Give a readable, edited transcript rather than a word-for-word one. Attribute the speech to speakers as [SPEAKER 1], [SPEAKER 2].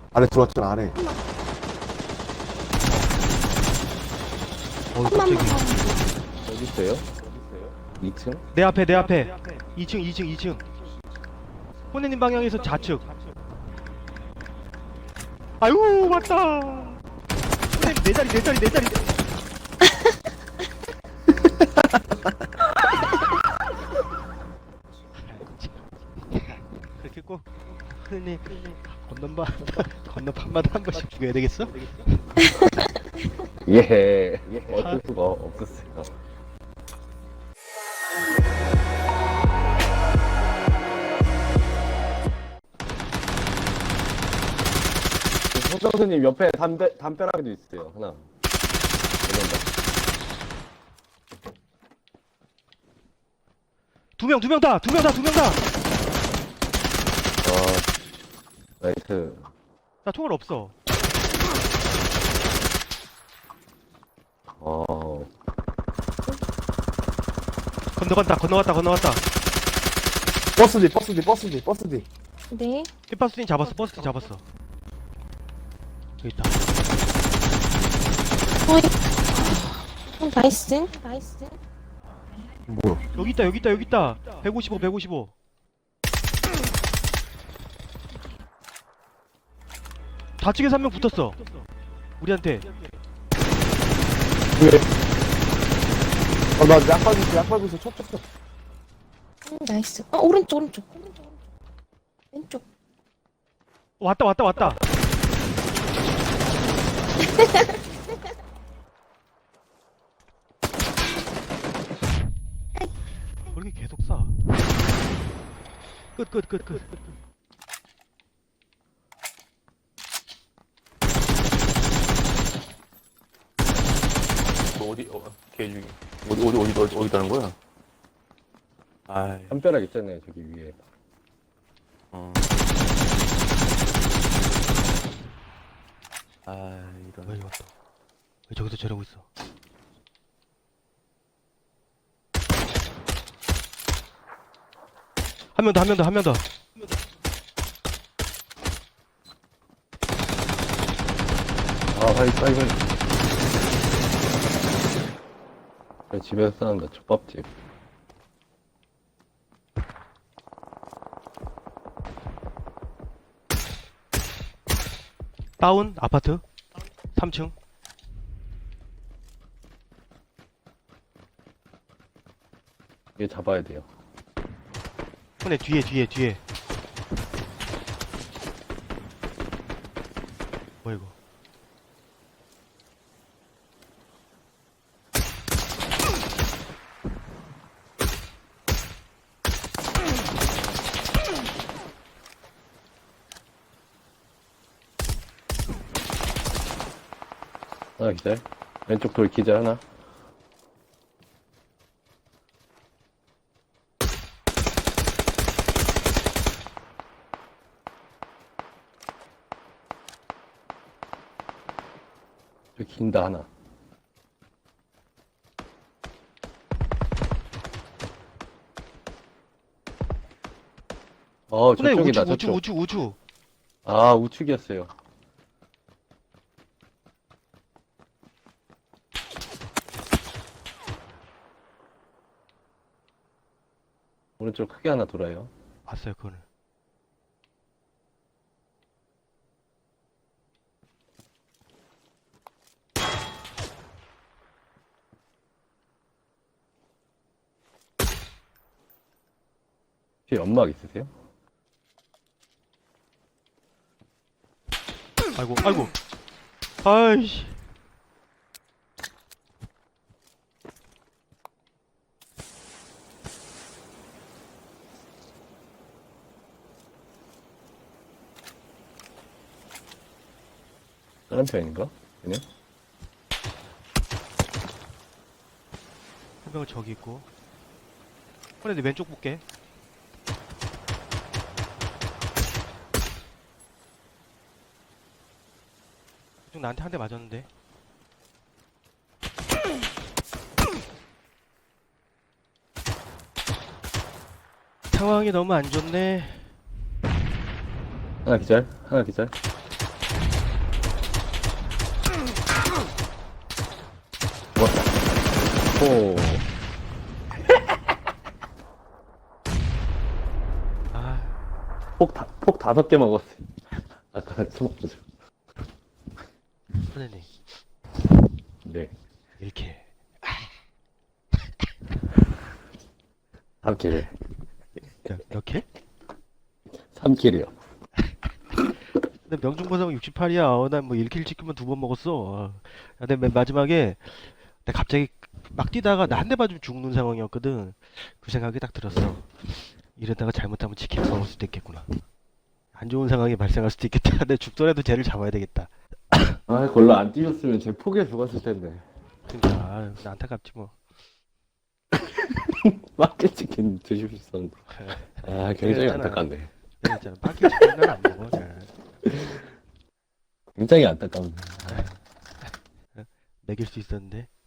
[SPEAKER 1] 안에 들어왔잖아, 안에.
[SPEAKER 2] 깜짝이.
[SPEAKER 3] 어디 있어요? 2층?
[SPEAKER 2] 내 앞에 2층. 혼내님 방향에서 좌측. 아유 맞다. 혼내님 내 자리. 그렇게 꼭 혼내님 건너판마다 한 번씩 죽여야 되겠어?
[SPEAKER 3] 예. 어쩔 수가 없었어요. 서정수님 옆에 담벼락에도 있어요. 하나.
[SPEAKER 2] 두 명 다.
[SPEAKER 3] 나이스.
[SPEAKER 2] 나 총알 없어. 건너갔다.
[SPEAKER 1] 버스 뒤.
[SPEAKER 4] 네.
[SPEAKER 2] 버스팅 잡았어. 여기 있다.
[SPEAKER 4] 어이. 나이스.
[SPEAKER 1] 뭐야?
[SPEAKER 2] 여기 있다. 155. 좌측에서 한 명 붙었어. 우리한테.
[SPEAKER 1] 왜? 나 약발부에서 쳤.
[SPEAKER 4] 나이스. 오른쪽. 왼쪽.
[SPEAKER 2] 왔다. 왜 이렇게 계속 쏴? 끝.
[SPEAKER 5] 개 중에. 어디 다는 거야? 아이,
[SPEAKER 3] 담벼락 있잖아요, 저기 위에.
[SPEAKER 5] 이런.
[SPEAKER 2] 왜 왔다? 왜 저기서 저러고 있어? 한 명 더.
[SPEAKER 3] 빨리. 집에서 싸운다, 족밥집.
[SPEAKER 2] 다운 아파트 3층.
[SPEAKER 3] 얘 잡아야 돼요.
[SPEAKER 2] 손에 뒤에. 뭐야 이거?
[SPEAKER 3] 하나 기절. 왼쪽 돌 기절 하나. 저 긴다 하나.
[SPEAKER 2] 손에
[SPEAKER 3] 저쪽이다, 저쪽.
[SPEAKER 2] 우측.
[SPEAKER 3] 우측이었어요. 오른쪽 크게 하나 돌아요.
[SPEAKER 2] 봤어요 그거는.
[SPEAKER 3] 뒤에 연막 있으세요?
[SPEAKER 2] 아이고. 아이씨.
[SPEAKER 3] 다른 편인가? 그냥?
[SPEAKER 2] 한 명은 저기 있고. 근데 왼쪽 볼게. 좀 나한테 한 대 맞았는데. 상황이 너무 안 좋네.
[SPEAKER 3] 하나 기절. 오.
[SPEAKER 2] 아,
[SPEAKER 3] 폭 5개 먹었어. 아까 처먹죠.
[SPEAKER 2] 선생님
[SPEAKER 3] 네.
[SPEAKER 2] 이렇게
[SPEAKER 3] 3킬을.
[SPEAKER 2] 몇 킬?
[SPEAKER 3] 3킬이요.
[SPEAKER 2] 근데 명중보상 68이야. 난 뭐 1킬 찍으면 2번 먹었어. 근데 맨 마지막에 내가 갑자기 막 뛰다가 나 한 대 맞으면 죽는 상황이었거든. 그 생각이 딱 들었어. 이러다가 잘못하면 치킨 먹을 수도 있겠구나. 안 좋은 상황이 발생할 수도 있겠다. 근데 죽더라도 쟤를 잡아야 되겠다.
[SPEAKER 3] 아, 걸로 안 뛰셨으면 제 폭에 죽었을 텐데.
[SPEAKER 2] 그러니까 아, 안타깝지 뭐.
[SPEAKER 3] 마켓 치킨 드실 수 있었는데. 아, 굉장히
[SPEAKER 2] 그랬잖아.
[SPEAKER 3] 안타깝네.
[SPEAKER 2] 그랬잖아. 빠끼 치킨은 안 먹어. 네.
[SPEAKER 3] 굉장히 안타깝네.
[SPEAKER 2] 먹일 수 있었는데.